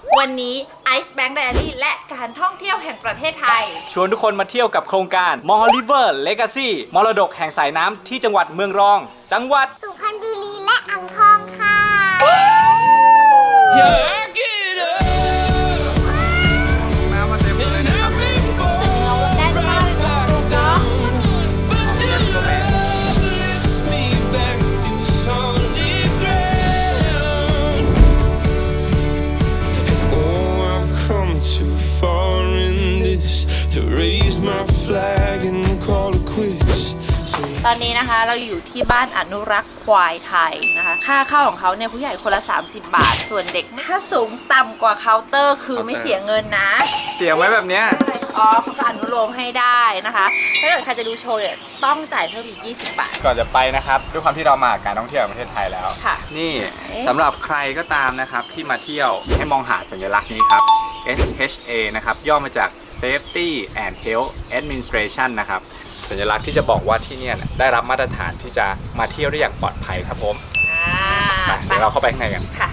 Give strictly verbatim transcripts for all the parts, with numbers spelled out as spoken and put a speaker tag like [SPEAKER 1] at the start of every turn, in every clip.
[SPEAKER 1] วันนี้ Ice Bank Diary และการท่องเที่ยวแห่งประเทศไทย
[SPEAKER 2] ชวนทุกคนมาเที่ยวกับโครงการ Mall River Legacy มรดกแห่งสายน้ำที่จังหวัดเมืองรอง จังหวัด
[SPEAKER 3] สุพรรณบุรีและอ่างทองค่ะ
[SPEAKER 2] น้ำมาเต็มเลยนะครับ
[SPEAKER 1] ได้มากเลยเนาะ
[SPEAKER 4] Too far in this to raise my flag and call it quits.
[SPEAKER 1] ตอนนี้นะคะเราอยู่ที่บ้านอนุรักษ์ควายไทยนะคะค่าเข้าของเขาเนี่ยผู้ใหญ่คนละสามสิบบาทส่วนเด็กถ้าสูงต่ำกว่าเคาน์เตอร์คือไม่เสียเงินนะ
[SPEAKER 2] เสียงไว้แบบเนี้ย
[SPEAKER 1] อ๋อเขาก็อนุโลมให้ได้นะคะถ้าเกิดใครจะดูโชว์เนี่ยต้องจ่ายเพิ่มอีกยี่สิบบาท
[SPEAKER 2] ก่อนจะไปนะครับด้วยความที่เรามาการท่องเที่ยวแห่งประเทศไทยแล้ว
[SPEAKER 1] ค่ะ
[SPEAKER 2] นี่สำหรับใครก็ตามนะครับที่มาเที่ยวให้มองหาสัญลักษณ์นี้ครับ เอส เอช เอ นะครับย่อมาจาก Safety and Health Administration นะครับสัญลักษณ์ที่จะบอกว่าที่เนี่ยได้รับมาตรฐานที่จะมาเที่ยวได้อย่างปลอดภัยครับผม
[SPEAKER 1] อ่า
[SPEAKER 2] ไปเดี๋ยวเราเข้าไปข้างในกัน
[SPEAKER 1] ค่ะ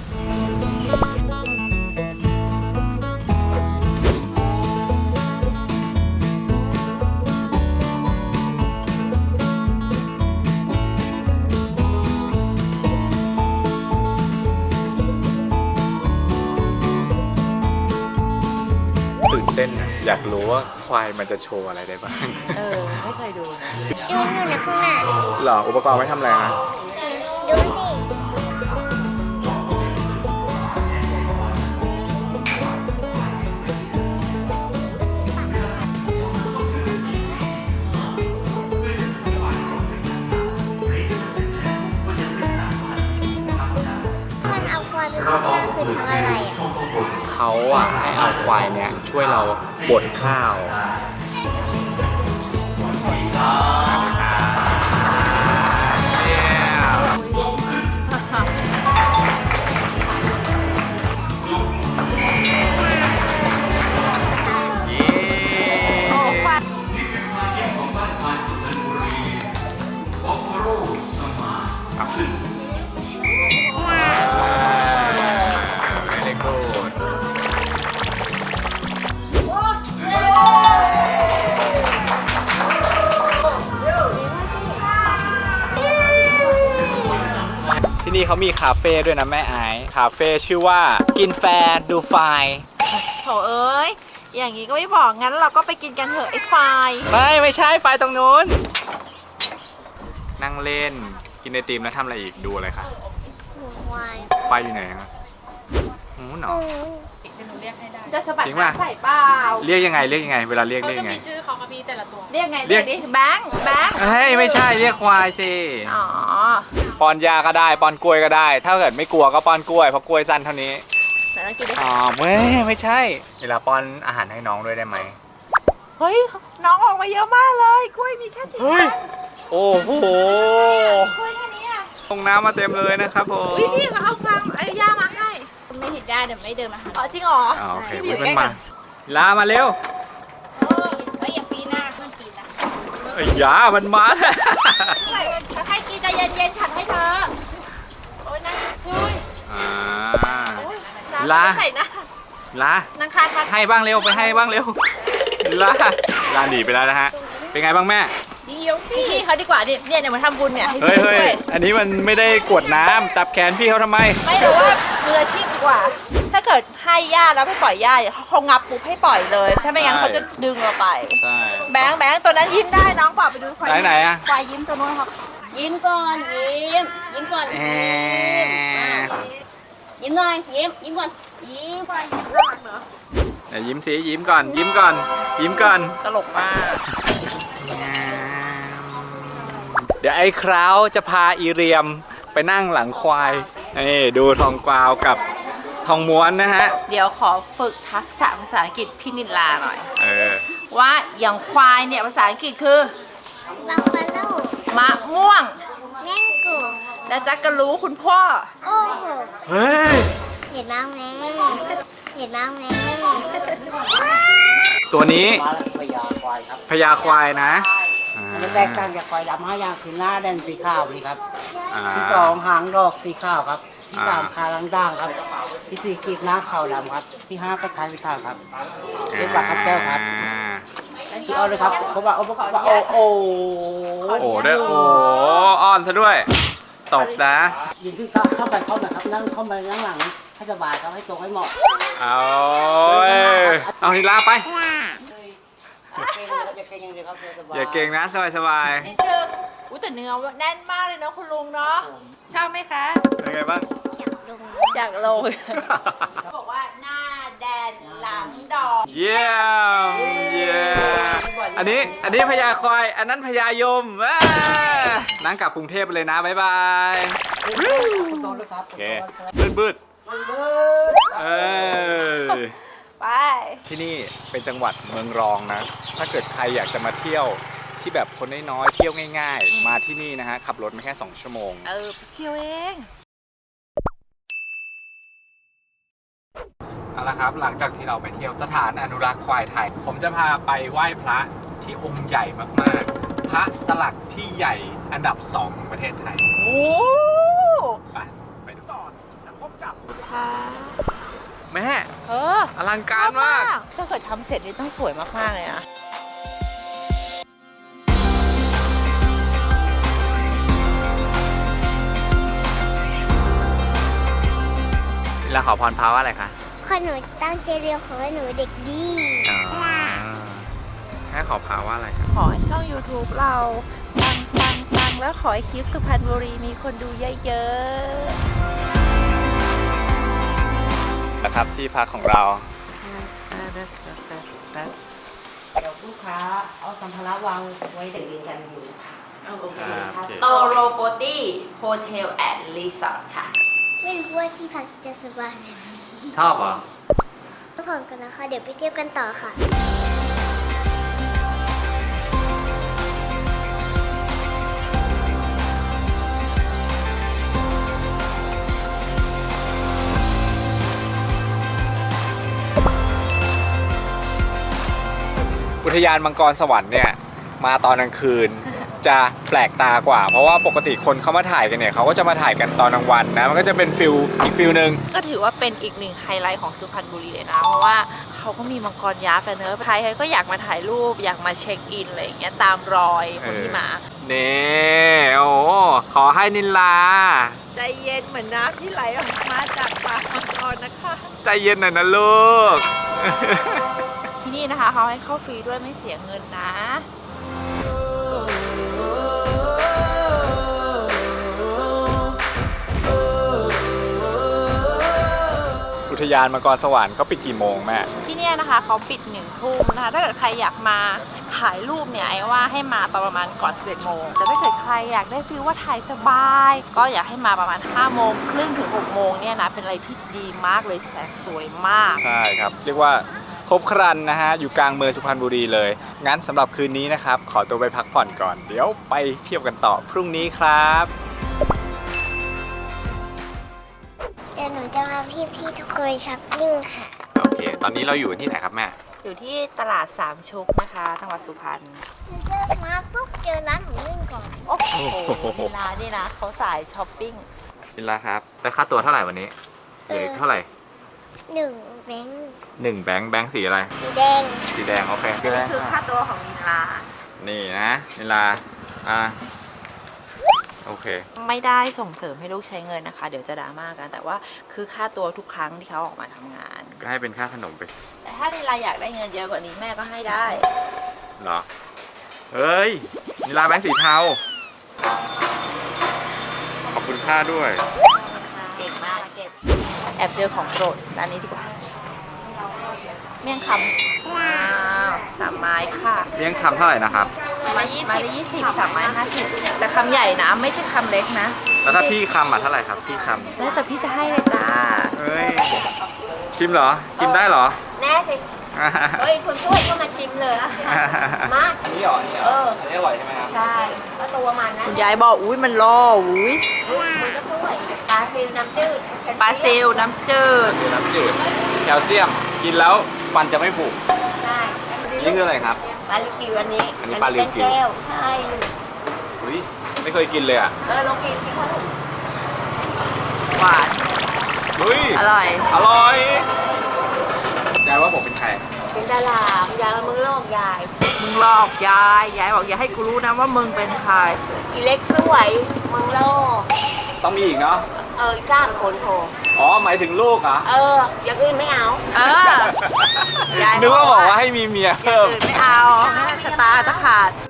[SPEAKER 2] ตื่นเต้นนะอยากรู้ว่าควายมันจะโชว์อะไรได้บ้าง
[SPEAKER 1] เออไม่เคยดูนะ
[SPEAKER 3] ดูหนูนะข้างหน้า
[SPEAKER 2] หรออุปกรณ์ไว้ทำอะไรนะ
[SPEAKER 3] ดูสิ มันเอาควายไปซุกนั่นคือทำอะไรอ่ะ
[SPEAKER 2] เขาอ่ะให้เอาควายเนี่ยช่วยเราบดข้าวที่นี่เขามีคาเฟ่ด้วยนะแม่ไอซ์คาเฟ่ชื่อว่ากินแฟร์ดูไฟ
[SPEAKER 1] โถเอ้ยอย่างนี้ก็ไม่บอกงั้นเราก็ไปกินกันเถอะไอ้ไฟ
[SPEAKER 2] ไม่ไม่ใช่ไฟตรงนู้น นั่งเล่นกินไอติมแล้วทำอะไรอีกดูอะไรคะ
[SPEAKER 3] หนูควาย
[SPEAKER 2] ไฟอยู่ไหนครับโอ้หนอ
[SPEAKER 1] จะสะบัด
[SPEAKER 2] จริงป่ะ
[SPEAKER 1] น้ำใส่เปล่า
[SPEAKER 2] เรียกยังไงเรียกยังไงเวลาเรียกเรียกยังไง
[SPEAKER 1] เรียกไง
[SPEAKER 2] เรี
[SPEAKER 1] เรี
[SPEAKER 2] ย
[SPEAKER 1] ย
[SPEAKER 2] ก
[SPEAKER 1] กดิแบงค์แบงค์
[SPEAKER 2] เฮ้ยไม่ใช่เรียกควายสิ
[SPEAKER 1] อ๋อ
[SPEAKER 2] ป้อนยาก็ได้ป้อนกล้วยก็ได้ ถ้าเกิดไม่กลัวก็ป้อนกล้วยเพราะกล้วยสั้นเท่านี้
[SPEAKER 1] แต่ต้องกินดิ
[SPEAKER 2] อ๋อไม่ไม่ใช่เวลาป้อนอาหารให้น้องด้วยได้ไหม
[SPEAKER 1] เฮ้ยน้องออกมาเยอะมากเลยกล้วยมีแค่สี่
[SPEAKER 2] เฮ้ย
[SPEAKER 1] อัน
[SPEAKER 2] โอ้โห
[SPEAKER 1] กล้วยแค่นี้อ่ะ
[SPEAKER 2] ลงน้ำมาเต็มเลยนะครับผม
[SPEAKER 1] อุ้ยพี่เขาเอาฟางไอ้ย่ามาให้
[SPEAKER 3] ไม่เห็นได้เดี๋ยวไม่เดินมาหา
[SPEAKER 1] อ๋อจริงเหรอ
[SPEAKER 2] อ่าโอเค
[SPEAKER 1] พี่
[SPEAKER 2] อุ๊ย
[SPEAKER 1] อยู่
[SPEAKER 2] มัน
[SPEAKER 1] ใกล้
[SPEAKER 2] มา
[SPEAKER 1] กัน
[SPEAKER 2] ลามาเร็ว
[SPEAKER 3] เฮ้ยอย่าปีหน้าขึ้นปีนะ
[SPEAKER 2] ไอ้ยามันมา
[SPEAKER 1] ให้กินใจเย็นๆฉันให้เธอโอ้ยนั่งคุย
[SPEAKER 2] อ่า
[SPEAKER 1] โอ้ย
[SPEAKER 2] ลา
[SPEAKER 1] น้ำใส่นะ
[SPEAKER 2] ลา
[SPEAKER 1] นางคาทัน
[SPEAKER 2] ให้บ้างเร็วไปให้บ้างเร็วลาลาหนีไปแล้วนะฮะเป็นไงบ้างแม่
[SPEAKER 1] เดี๋ยวพี่เขาดีกว่าเนี่ยเนี่ยเดี๋ยวมาทำบุญเนี่ยให้
[SPEAKER 2] เฮ้ย
[SPEAKER 1] พี่
[SPEAKER 2] เฮ้
[SPEAKER 1] ช่วย ย
[SPEAKER 2] อันนี้มันไม่ได้กวดน้ำจับแขนพี่เขาทำไม
[SPEAKER 1] ไม่รู้ว่ามืออาชีพดีกว่า ถ้าเกิดให้ย่าแล้วไม่ปล่อยย่าเขาคงงับปุ๊บให้ปล่อยเลย ถ้าไม่งั้น
[SPEAKER 2] ใช่
[SPEAKER 1] เขาจะดึงเราไป
[SPEAKER 2] ใช่
[SPEAKER 1] แบงค์แบงค์ตัวนั้นยิ้มได้น้องบอกไปดูควาย
[SPEAKER 2] ไหนไหนอะ
[SPEAKER 1] ควายยิ้มตัวนู้นครับ
[SPEAKER 5] ยิ้มก่อนยิ้มยิ้มก่อน
[SPEAKER 2] แอ
[SPEAKER 5] ยิ้มหน่อยยิ้มยิ้มก่อนยิ้ม
[SPEAKER 1] ควายยิ้มน่ารักเนอะ
[SPEAKER 2] เดี๋ยวยิ้มสิยิ้มก่อนยิ้มก่อน ยิ้มก่อน
[SPEAKER 1] ตลกมาก
[SPEAKER 2] เดี๋ยวไอ้คราวจะพาอีเรียมไปนั่งหลังควายนี่ดูทองกวาวกับทองม้วนนะฮะ
[SPEAKER 1] เดี๋ยวขอฝึกทักษะภาษาอังกฤษพี่นิลาหน่อย
[SPEAKER 2] เออ
[SPEAKER 1] ว่าอย่างควายเนี่ยภาษาอังกฤษคือ
[SPEAKER 3] บัฟฟาโล
[SPEAKER 1] มะม่วง
[SPEAKER 3] แมงโก้
[SPEAKER 1] แล้วจักก็รู้คุณพ่อ
[SPEAKER 3] โอ้โห
[SPEAKER 2] เฮ้ย
[SPEAKER 3] เห็นบ้างไหมเห็นบ้างไหม
[SPEAKER 2] ตัวนี้
[SPEAKER 6] มาแล้วพญาควายครับ
[SPEAKER 2] พญาควายนะอ่า
[SPEAKER 6] มันจะแตกต่างจากควายดำห้าอย่างคือหน้าแดงสีขาวนี่ครับ
[SPEAKER 2] อ่า
[SPEAKER 6] ที่สองหางดอกสีขาวครับที่สามคาลังด่างครับ ที่สี่กีบหน้าเข่าดำครับ ที่ห้าก็ท้ายพิธาครับเรียกว่าครับแก้วครับที่เอาเลยครับเขาบอกเขาบอกโอ้โอ้
[SPEAKER 2] โอ้ได้โอ้อ้อนซะด้วย ตบนะ
[SPEAKER 6] ยืนขึ้นเข้าไปเข้าหน่อยครับนั่งเข้าไปนั่งหลังให้สบายครับให้ตรงให้เหมาะ
[SPEAKER 2] เอาเอานิลาไป
[SPEAKER 6] อย่าเก่งอย่างเดียวครับสบาย
[SPEAKER 2] อย่าเก่งนะสบายสบาย
[SPEAKER 1] นี่เธออุ้ยแต่เนื้อแน่นมากเลยเนาะคุณลุงเนาะชอบไหมคะ
[SPEAKER 2] เป็นไงบ้าง
[SPEAKER 1] อยากลง บอกว่าหน้าแดนหลังดอก
[SPEAKER 2] เยี่ยมเยี่ยมอันนี้อันนี้พญาคอยอันนั้นพญายมอ่านั่งกลับกรุงเทพไปเลยนะบ๊ายบาย
[SPEAKER 6] ตรงด้วยครับ
[SPEAKER 2] โอเคบืดบืดเออ
[SPEAKER 1] ไป
[SPEAKER 2] ที่นี่เป็นจังหวัดเมืองรองนะ ถ้าเกิดใครอยากจะมาเที่ยวที่แบบคนน้อยๆเที่ยวง่าย ๆ มาที่นี่นะฮะขับรถมาแค่สองชั่วโมง
[SPEAKER 1] เออเที่ยวเอง
[SPEAKER 2] เอาละครับหลังจากที่เราไปเที่ยวสถานอนุรักษ์ควายไทย ผมจะพาไปไหว้พระที่องค์ใหญ่มากๆ พระสลักที่ใหญ่อันดับสองของประเทศไทย
[SPEAKER 1] โอ้
[SPEAKER 2] ไปไปดูก่อนแล้วพบกับ
[SPEAKER 1] ค่ะ
[SPEAKER 2] แม่
[SPEAKER 1] เออ
[SPEAKER 2] อลังการมาก
[SPEAKER 1] ถ้าเกิดทำเสร็จนี่ต้องสวยมากๆเลยนะ
[SPEAKER 2] แล้วขอพรพระว่าอะไรคะ
[SPEAKER 3] ขอหนูตั้งใจเรียนขอให้หนูเด็กดี
[SPEAKER 2] แม่ขอพระว่าอะไรครับ
[SPEAKER 1] ขอให้ช่อง YouTube เราปังปังปังแล้วขอให้คลิปสุพรรณบุรีมีคนดูเยอะๆ
[SPEAKER 2] นะครับที่พักของเรา
[SPEAKER 6] เดี๋ยวลูกค้าเอาสัมภาระวางไว้เด็กเรียนกันอยู่เอาโอเคครับ
[SPEAKER 1] โตโรโปตี้โฮเทลแอนด์รีสอร์ทค่ะ
[SPEAKER 3] ไม่รู้ว่าที่พักจะสบายแบบนี้
[SPEAKER 2] ชอบเหรอ
[SPEAKER 3] พักผ่อนกันนะคะ เดี๋ยวไปเที่ยวกันต่อค่ะ
[SPEAKER 2] อุทยานมังกรสวรรค์เนี่ยมาตอนกลางคืนจะแปลกตากว่า เพราะว่าปกติคนเขามาถ่ายกันเนี่ยเขาก็จะมาถ่ายกันตอนกลางวันนะมันก็จะเป็นฟิลอีกฟิลหนึ่ง
[SPEAKER 1] ก็ถือว่าเป็นอีกหนึ่งไฮไลท์ของสุพรรณบุรีเลยนะ เพราะว่าเขาก็มีมังกรยักษ์กันเนอะใครๆก็อยากมาถ่ายรูปอยากมาเช็คอินอะไรอย่างเงี้ยตามรอยคนที่มา
[SPEAKER 2] นี่โอ้ขอให้นิลา
[SPEAKER 1] ใจเย็นเหมือนน้ำที่ไหลออกมาจากปากมังกรนะคะ
[SPEAKER 2] ใจเย็นหน่อยนะลูก
[SPEAKER 1] ที่นี่นะคะเขาให้เข้าฟรีด้วยไม่เสียเงินนะ
[SPEAKER 2] อุทยานมังกรสวรรค์เขาปิดกี่โมงแม่
[SPEAKER 1] ที่เนี่ยนะคะเขาปิดหนึ่งทุ่มนะคะถ้าเกิดใครอยากมาถ่ายรูปเนี่ยไอ้ว่าให้มาตอนประมาณก่อนสิบเอ็ดโมงแต่ถ้าเกิดใครอยากได้ฟีลว่าถ่ายสบาย ก็อยากให้มาประมาณห้าโมงครึ่งถึงหกโมงเนี่ยนะเป็นอะไรที่ดีมากเลยแสงสวยมาก
[SPEAKER 2] ใช่ครับ เรียกว่าครบครันนะฮะ อยู่กลางเมืองสุพรรณบุรีเลย งั้นสำหรับคืนนี้นะครับ ขอตัวไปพักผ่อนก่อน เดี๋ยวไปเที่ยวกันต่อพรุ่งนี้ครับ
[SPEAKER 3] เดี๋ยวหนูจะพาพี่ๆทุกคนไปช้อปปิ้งค่ะ
[SPEAKER 2] โอเค ตอนนี้เราอยู่ที่ไหนครับแม่
[SPEAKER 1] อยู่ที่ตลาดสามชุกนะคะจังหวัดสุพรรณ
[SPEAKER 3] เจอมาปุ๊บเจอร้านหมูนึ่งก่อน
[SPEAKER 1] โอ้โหเวลานี่นะเขาสายช้อปปิ้ง
[SPEAKER 2] นิลาครับ แล้วค่าตัวเท่าไหร่วันนี้เหลือเท่าไหร่
[SPEAKER 3] หนึ่งแบงค์
[SPEAKER 2] หนึ่งแบงค์แบงค์สีอะไร
[SPEAKER 3] สีแดง
[SPEAKER 2] สีแดง โอเค
[SPEAKER 1] อันนี้คือค่าตัวของนิลา
[SPEAKER 2] นี่นะนิลา อ่า โอเค
[SPEAKER 1] ไม่ได้ส่งเสริมให้ลูกใช้เงินนะคะ เดี๋ยวจะดราม่ากัน แต่ว่าคือค่าตัวทุกครั้งที่เขาออกมาทำงาน
[SPEAKER 2] ก็ให้เป็นค่าขนมไป
[SPEAKER 1] แต่ถ้านิลาอยากได้เงินเยอะกว่านี้แม่ก็ให้ได้
[SPEAKER 2] เหรอ เฮ้ยนิลาแบงค์สีเทา ขอบคุณค่าด้วย
[SPEAKER 1] เก่งมากเก็บแอบเจอของโปรดร้านนี้ดีกว่า เมี่ยงคำว้าวสามไม้ค่ะ
[SPEAKER 2] เลี้ยงคำเท่าไหร่นะครับ
[SPEAKER 1] ไม้ไม้ละยี่สิบสามไม้ห้าสิบแต่คำใหญ่นะไม่ใช่คำเล็กนะ
[SPEAKER 2] แล้วถ้าพี่คำอ่ะเท่าไหร่ครับ พี่ค
[SPEAKER 1] แล้วแต่พี่จะให้เลยจ้า
[SPEAKER 2] ำเฮ้ย ชิมเหรอ ชิมได้เหรอ
[SPEAKER 5] แน่สิเฮ้ยคุณช่วยก็มาชิมเลยอะมา
[SPEAKER 2] อันนี้เหรออันนี้เหรออันนี้อร่อยใช่ไหมครับ
[SPEAKER 5] ใช่ก็ตัวมันนะ
[SPEAKER 1] คุณยายบอกอุ้ยมันล่ออุ้ย
[SPEAKER 5] มันก็ช่วยปลาซิลน้ำจืด
[SPEAKER 1] ปลาซิลน้ำจืด
[SPEAKER 2] คือน้ำจืด แคลเซียม กินแล้วฟันจะไม่ผุ
[SPEAKER 5] ใช่
[SPEAKER 2] นี่คืออะไรครับ
[SPEAKER 5] ปลาลิคิวอันนี้
[SPEAKER 2] อันนี้ปลาลิวกิว
[SPEAKER 5] เป็นแก้วใช่
[SPEAKER 2] อุ้ยไม่เคยกินเลยอ่ะ
[SPEAKER 5] เออลองกินสิคะ
[SPEAKER 1] หวาน
[SPEAKER 2] เฮ้ย
[SPEAKER 1] อร่อย
[SPEAKER 2] อร่อยยายว่าผมเป็นใคร
[SPEAKER 5] เป็นดารายายมึงโลกยาย
[SPEAKER 1] มึงหลอกยายยายบอกอย่าให้กูรู้นะว่ามึงเป็นใคร
[SPEAKER 5] อีเล็กสวยมึงโลก
[SPEAKER 2] ต้องมีอีกเนาะ
[SPEAKER 5] เออจ้างคนโทร
[SPEAKER 2] อ๋อหมายถึงลูกเหรอ
[SPEAKER 5] เออ อย่างอื่นไม่เอา
[SPEAKER 1] เออยาย
[SPEAKER 2] นึกว่าบอกว่าให้มีเมีย
[SPEAKER 1] อย่า
[SPEAKER 2] เพิ่
[SPEAKER 1] ง
[SPEAKER 2] ม
[SPEAKER 1] อื่นไม่เอาชะตาจะขาด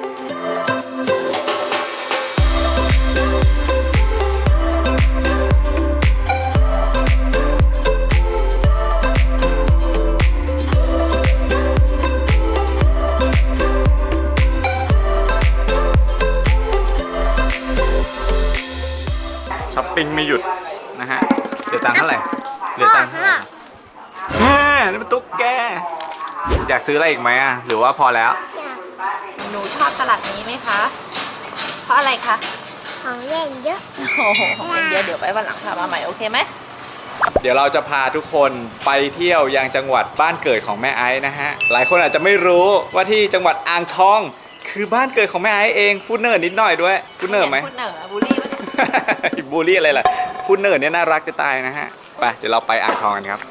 [SPEAKER 2] ช้อปปิ้งไม่หยุดนะฮะเดี๋ยวตังค์เท่าไหร่เดี๋ยวตังค์เท่าไหร่แหมนี่มันตุ๊กแกอยากซื้ออะไรอีกไหมอ่ะหรือว่าพอแล้ว
[SPEAKER 3] อยาก
[SPEAKER 1] หนูชอบตลาดนี้ไหมคะ เพราะอะไรคะ
[SPEAKER 3] ของเล่นเยอะ
[SPEAKER 1] โอ้โหของเล่นเยอะเดี๋ยวไปวันหลังพามาใหม่โอเคไหม
[SPEAKER 2] เดี๋ยวเราจะพาทุกคนไปเที่ยวยังจังหวัดบ้านเกิดของแม่ไอซ์นะฮะหลายคนอาจจะไม่รู้ว่าที่จังหวัดอ่างทอง คือบ้านเกิดของแม่ไอซ์เองพูดเนิร์ดนิดหน่อยด้วยพูดเนิร์ดไหม
[SPEAKER 1] พูดเนิร์ดบูลลี่ไหม
[SPEAKER 2] บูลลี่อะไรล่ะพูดเนิร์ดเนี่ยน่ารักจะตายนะฮะไปเดี๋ยวเราไปอ่างทองกันครับ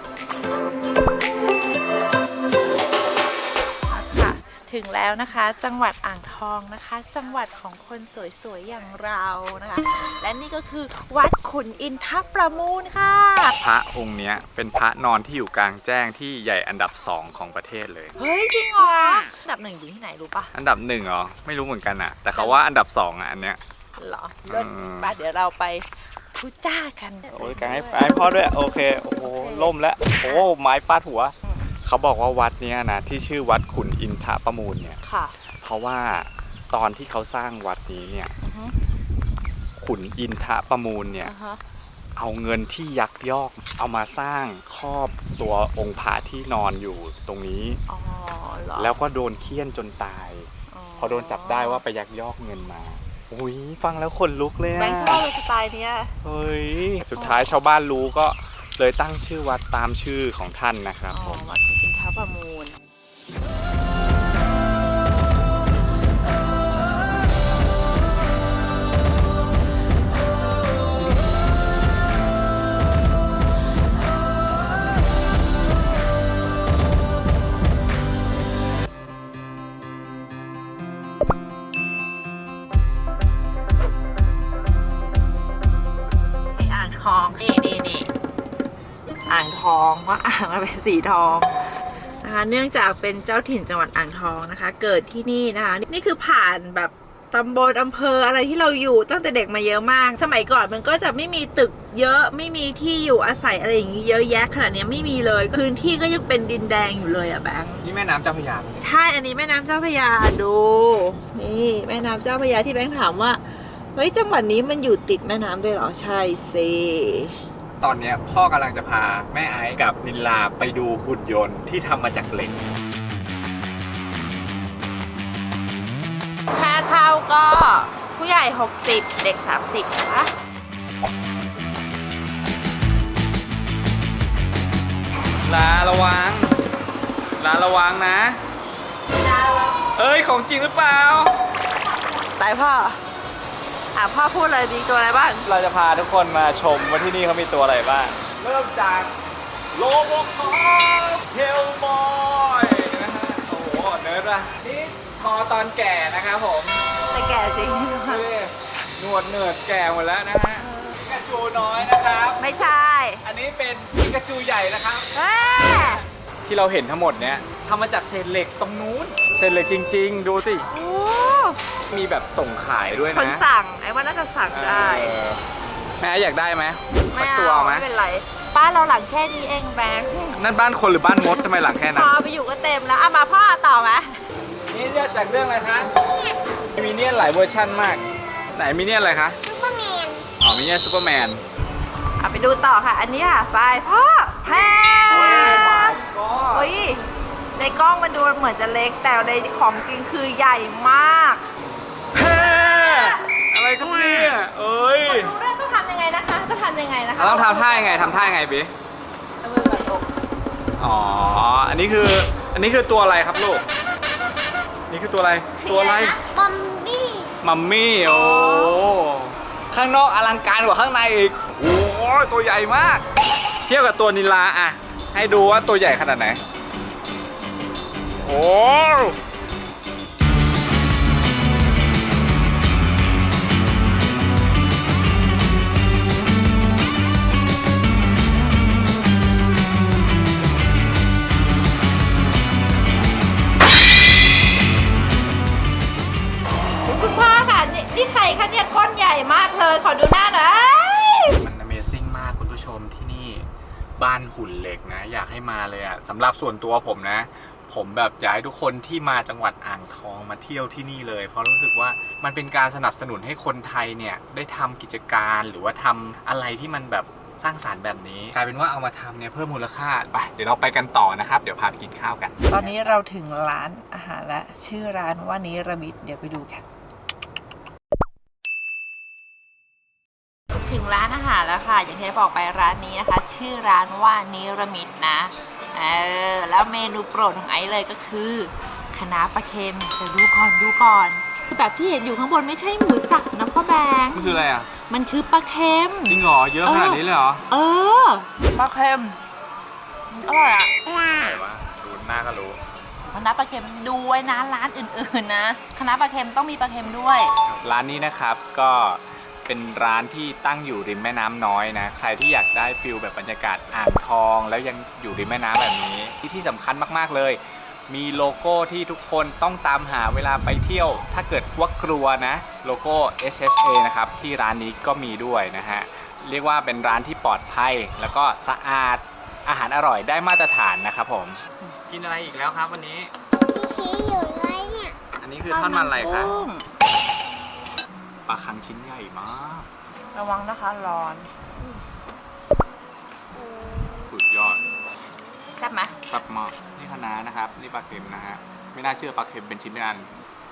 [SPEAKER 1] ค่ะถึงแล้วนะคะจังหวัดอ่างทองนะคะ จังหวัดของคนสวยๆอย่างเรานะคะ และนี่ก็คือวัดขุนอินทประมูลค่ะ
[SPEAKER 2] พระองค์เนี้ยเป็นพระนอนที่อยู่กลางแจ้งที่ใหญ่อันดับสองของประเทศเลย
[SPEAKER 1] เฮ้ยจริงเหรออันดับหนึ่งอยู่ที่ไหนรู้ปะ
[SPEAKER 2] อันดับหนึ่งเหรอไม่รู้เหมือนกันอะแต่เขาว่าอันดับสองอะอันเนี้ย
[SPEAKER 1] เหรอเลิศ
[SPEAKER 2] อืม
[SPEAKER 1] ไปเดี๋ยวเราไปทุจ้ากัน
[SPEAKER 2] โอ้ยกางให้ให้พ่อด้วยโอเคโอ้โหล่มแล้วโอ้ไม้ฟาดหัว เขาบอกว่าวัดเนี้ยนะที่ชื่อวัดขุนอินทประมูลเนี่ย
[SPEAKER 1] ค่ะ
[SPEAKER 2] เพราะว่าตอนที่เขาสร้างวัดนี้เนี่ย
[SPEAKER 1] อือฮึ
[SPEAKER 2] ขุนอินทประมูลเนี่ย
[SPEAKER 1] อ่าฮะ
[SPEAKER 2] เอาเงินที่ยักยอกเอามาสร้างครอบตัวองค์พระที่นอนอยู่ตรงนี้
[SPEAKER 1] อ๋อเหรอ
[SPEAKER 2] แล้วก็โดนเคี่ยนจนตาย พอโดนจับได้ว่าไปยักยอกเงินมาอุ้ยฟังแล้วขนลุกเลย
[SPEAKER 1] แบ
[SPEAKER 2] อะ
[SPEAKER 1] งค์ชอบเลยสไตล์เนี้ย
[SPEAKER 2] เฮ้ยสุดท้ายชาวบ้านรู้ก็เลยตั้งชื่อวัดตามชื่อของท่านนะครับ
[SPEAKER 1] อ๋
[SPEAKER 2] ผ
[SPEAKER 1] อ
[SPEAKER 2] ม
[SPEAKER 1] วัดขุนอินทประมูล นี่อ่างทองนี่นี่นี่อ่างทองเพราะอ่างมันเป็นสีทองนะคะเนื่องจากเป็นเจ้าถิ่นจังหวัดอ่างทองนะคะ เกิดที่นี่นะคะนี่คือผ่านแบบตำบลอำเภออะไรที่เราอยู่ตั้งแต่เด็กมาเยอะมาก สมัยก่อนมันก็จะไม่มีตึกเยอะไม่มีที่อยู่อาศัยอะไรอย่างนี้เยอะแยะขนาดนี้ไม่มีเลยพื้นที่ก็ยังเป็นดินแดงอยู่เลยอะแบงค์
[SPEAKER 2] นี่แม่น้ำเจ้าพระยา
[SPEAKER 1] ใช่อันนี้แม่น้ำเจ้าพระยาดูนี่แม่น้ำเจ้าพระยาที่แบงค์ถามว่าเฮ้ยจังหวัดนี้มันอยู่ติดแม่น้ำด้วยเหรอใช่สิ
[SPEAKER 2] ตอนเนี้ยพ่อกำลังจะพาแม่ไอซ์กับนิลลาไปดูหุ่นยนต์ที่ทำมาจากเหล็ก
[SPEAKER 1] ค่าเข้าก็ผู้ใหญ่หกสิบเด็กสามสิบนะคะ
[SPEAKER 2] ลาระวัง ลาระวังนะ เอ้ยของจริงหรือเปล่า
[SPEAKER 1] ตายพ่ออ่ะพ่อพูดเลยดีตัวอะไรบ้าง
[SPEAKER 2] เราจะพาทุกคนมาชมว่าที่นี่เขามีตัวอะไรบ้าง เริ่มจากโลโบคอปเฮลบอยนะฮะ โอ้โห เนิร์ดว่ะนี่พอตอนแก่นะครับผม
[SPEAKER 1] แต่แก่จริง
[SPEAKER 2] หนวดเนิร์ดแก่หมดแล้วนะฮะปิกาจูน้อยนะครับ
[SPEAKER 1] ไม่ใช่
[SPEAKER 2] อันนี้เป็นปิกาจูใหญ่นะครับ
[SPEAKER 1] เอ้ย
[SPEAKER 2] ที่เราเห็นทั้งหมดเนี้ยทำมาจากเศษเหล็กตรงนู้น เศษเหล็กจริงๆ ดูสิ
[SPEAKER 1] โอ้
[SPEAKER 2] มีแบบส่งขายด้วยนะ
[SPEAKER 1] คนสั่งไอ้ว่าน่าจะสั่งได้
[SPEAKER 2] เออแม่อยากได้ไหม
[SPEAKER 1] ไม่
[SPEAKER 2] สักตัว
[SPEAKER 1] เอา
[SPEAKER 2] ไหม
[SPEAKER 1] ไม่เป็นไรบ้านเราหลังแค่นี้เองแบงค์
[SPEAKER 2] นั่นบ้านคนหรือบ้านมดทำไมหลังแค่
[SPEAKER 1] พ
[SPEAKER 2] นั้น
[SPEAKER 1] อไปอยู่ก็เต็มแล้วอ่ะมาพ่อต่อไหม
[SPEAKER 2] นี่เรียกจากเรื่องอะไรคะมีเนียนหลายเวอร์ชั่นมาก ไหนมีเนียนอะไรคะ
[SPEAKER 3] ซุปเปอร์แมน
[SPEAKER 2] อ๋อมีเนียนซูเปอร์แมน
[SPEAKER 1] อ่ะไปดูต่อค่ะ อันนี้ค่ะไปพ่อแพงโอ้ยในกล้องมันดูเหมือนจะเล็กแต่ในของจริงคือใหญ่มาก
[SPEAKER 2] เฮ้อะไรกันเนี่ยเอ้ย
[SPEAKER 1] รู้เรื่องต้องทำยังไงนะคะต้องทำยังไงนะคะ
[SPEAKER 2] เราต้องทำท่ายังไงทำท่ายังไงบี
[SPEAKER 1] เอามือไหล่อก
[SPEAKER 2] อ๋อ อันนี้คือ อันนี้คือตัวอะไรครับลูก นี่คือตัวอะไร ตัวอะไร
[SPEAKER 3] บอมบี้
[SPEAKER 2] มัมมี่ โอ้ ข้างนอกอลังการกว่าข้างในอีก โอ้ยตัวใหญ่มาก เทียบกับตัวนิลาอะให้ดูว่าตัวใหญ่ขนาดไหนโอ้
[SPEAKER 1] คุณพ่อค่ะนี่นี่ใครคะเนี่ยก้อนใหญ่มากเลยขอดูหน้าหน่อย
[SPEAKER 2] มัน Amazing มากคุณผู้ชมที่นี่บ้านหุ่นเหล็กนะอยากให้มาเลยอะสำหรับส่วนตัวผมนะ ผมแบบอยากให้ทุกคนที่มาจังหวัดอ่างทองมาเที่ยวที่นี่เลยเพราะรู้สึกว่ามันเป็นการสนับสนุนให้คนไทยเนี่ยได้ทำกิจการหรือว่าทำอะไรที่มันแบบสร้างสรรค์แบบนี้กลายเป็นว่าเอามาทำเนี่ยเพิ่มมูลค่าไปเดี๋ยวเราไปกันต่อนะครับเดี๋ยวพาไปกินข้าวกัน
[SPEAKER 1] ตอนนี้เราถึงร้านอาหารและชื่อร้านว่านิรมิตเดี๋ยวไปดูกันถึงร้านอาหารแล้วค่ะอย่างที่บอกไปร้านนี้นะคะชื่อร้านว่านิรมิตนะเออแล้วเมนูโปรดของไอซ์เลยก็คือคะน้าปลาเค็มแต่ดูก่อนดูก่อนแบบที่เห็นอยู่ข้างบนไม่ใช่หมูสับนะพ่อแบงค์
[SPEAKER 2] มันคืออะไรอ่ะ
[SPEAKER 1] มันคือปลาเค็ม
[SPEAKER 2] จริงเหรอเยอะขนาดนี้เลยเหรอ
[SPEAKER 1] เออปลาเค็มอร่อยอ่ะ
[SPEAKER 2] อะไรวะดูหน้าก็รู้
[SPEAKER 1] คณะปลาเค็มดูไว้นะร้านอื่นๆนะคณะปลาเค็มต้องมีปลาเค็มด้วย
[SPEAKER 2] ร้านนี้นะครับก็เป็นร้านที่ตั้งอยู่ริมแม่น้ำน้อยนะใครที่อยากได้ฟิลแบบบรรยากาศอ่างทองแล้วยังอยู่ริมแม่น้ำแบบนี้ที่ที่สำคัญมากๆเลยมีโลโก้ที่ทุกคนต้องตามหาเวลาไปเที่ยวถ้าเกิดว่ากลัวนะโลโก้ เอส เอช เอ นะครับที่ร้านนี้ก็มีด้วยนะฮะเรียกว่าเป็นร้านที่ปลอดภัยแล้วก็สะอาดอาหารอร่อยได้มาตรฐานนะครับผมกินอะไรอีกแล้วครับวันนี้
[SPEAKER 3] ที่ชี้อยู่เลยเนี่ย
[SPEAKER 2] อันนี้คือทอดมันอะไรคะปลาคังชิ้นใหญ่มาก
[SPEAKER 1] ระวังนะคะร้อน
[SPEAKER 2] สุดยอด
[SPEAKER 1] แซ่บไหม
[SPEAKER 2] แซ่บมากนี่คะน้านะครับนี่ปลาเค็มนะฮะไม่น่าเชื่อปลาเค็มเป็นชิ้นเป็นอัน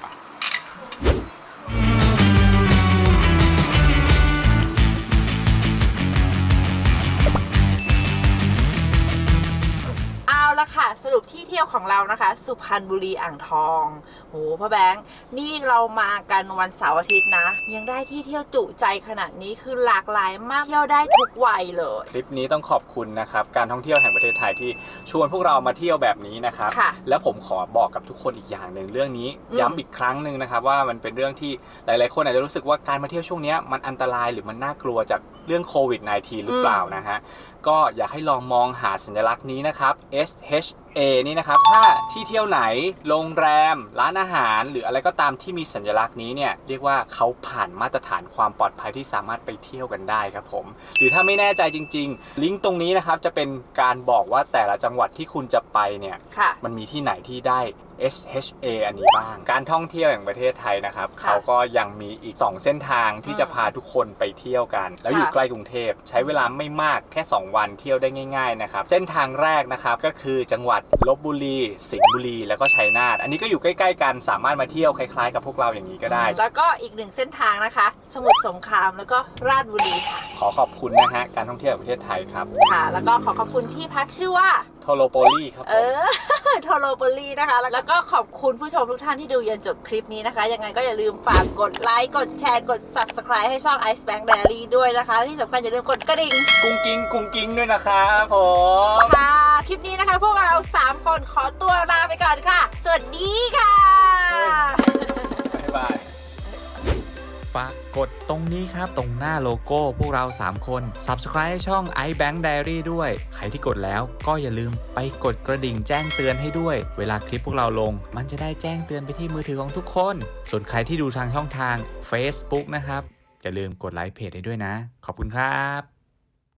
[SPEAKER 1] แล้วค่ะสรุปที่เที่ยวของเรานะคะสุพรรณบุรีอ่างทองโหพ่อแบงค์นี่เรามากันวันเสาร์อาทิตย์นะยังได้ที่เที่ยวจุใจขนาดนี้คือหลากหลายมากเที่ยวได้ทุกวัยเลย
[SPEAKER 2] คลิปนี้ต้องขอบคุณนะครับการท่องเที่ยวแห่งประเทศไทยที่ชวนพวกเรามาเที่ยวแบบนี้นะครับแล้วผมขอบอกกับทุกคนอีกอย่างหนึ่งเรื่องนี้ย้ำอีกครั้งหนึ่งนะครับว่ามันเป็นเรื่องที่หลายๆคนอาจจะรู้สึกว่าการมาเที่ยวช่วงนี้มันอันตรายหรือมันน่ากลัวจากเรื่องโควิด สิบเก้า หรือเปล่านะฮะก็อยากให้ลองมองหาสัญลักษณ์นี้นะครับ เอส เอช เอ นี่นะครับถ้าที่เที่ยวไหนโรงแรมร้านอาหารหรืออะไรก็ตามที่มีสัญลักษณ์นี้เนี่ยเรียกว่าเขาผ่านมาตรฐานความปลอดภัยที่สามารถไปเที่ยวกันได้ครับผมหรือถ้าไม่แน่ใจจริงๆลิงก์ตรงนี้นะครับจะเป็นการบอกว่าแต่ละจังหวัดที่คุณจะไปเนี่ยมันมีที่ไหนที่ได้ เอส เอช เอ อันนี้บ้างการท่องเที่ยวแห่งประเทศไทยนะครับเขาก็ยังมีอีกสองเส้นทางที่จะพาทุกคนไปเที่ยวกันแล้วอยู่ใกล้กรุงเทพใช้เวลาไม่มากแค่สองวันเที่ยวได้ง่ายๆนะครับเส้นทางแรกนะครับก็คือจังหวัดลพบุรีสิงห์บุรีแล้วก็ชัยนาทอันนี้ก็อยู่ใกล้ๆกันสามารถมาเที่ยวคล้ายๆกับพวกเราอย่างนี้ก็ได้
[SPEAKER 1] แล้วก็อีกหนึ่งเส้นทางนะคะสมุทรสงครามแล้วก็ราชบุรีค่ะ
[SPEAKER 2] ขอขอบคุณนะฮะการท่องเที่ยวแห่งประเทศไทยครับ
[SPEAKER 1] ค่ะแล้วก็ขอขอบคุณที่พักชื่อว่า
[SPEAKER 2] โทโลโปลีครับ
[SPEAKER 1] เออโทโลโปลีนะคะแล้วก็ขอบคุณผู้ชมทุกท่านที่ดูยันจบคลิปนี้นะคะยังไงก็อย่าลืมฝากกดไลค์กดแชร์กด ซับสไครบ์ ให้ช่อง Ice Bank Diary ด้วยนะคะที่สำคัญอย่าลืมกดกระดิ่ง
[SPEAKER 2] กุ้งกิ้งกุ้งกิ้งด้วยนะครับผม
[SPEAKER 1] ค่ะคลิปนี้นะคะพวกเราสามคนขอตัวลาไปก่อนค่ะสวัสดีค่ะ
[SPEAKER 2] บ๊ายบายฝากกดตรงนี้ครับตรงหน้าโลโก้พวกเราสามคน ซับสไครบ์ ให้ช่อง Ice Bank Diary ด้วยใครที่กดแล้วก็อย่าลืมไปกดกระดิ่งแจ้งเตือนให้ด้วยเวลาคลิปพวกเราลงมันจะได้แจ้งเตือนไปที่มือถือของทุกคนส่วนใครที่ดูทางช่องทาง Facebook นะครับอย่าลืมกดไลค์เพจให้ด้วยนะขอบคุณครับ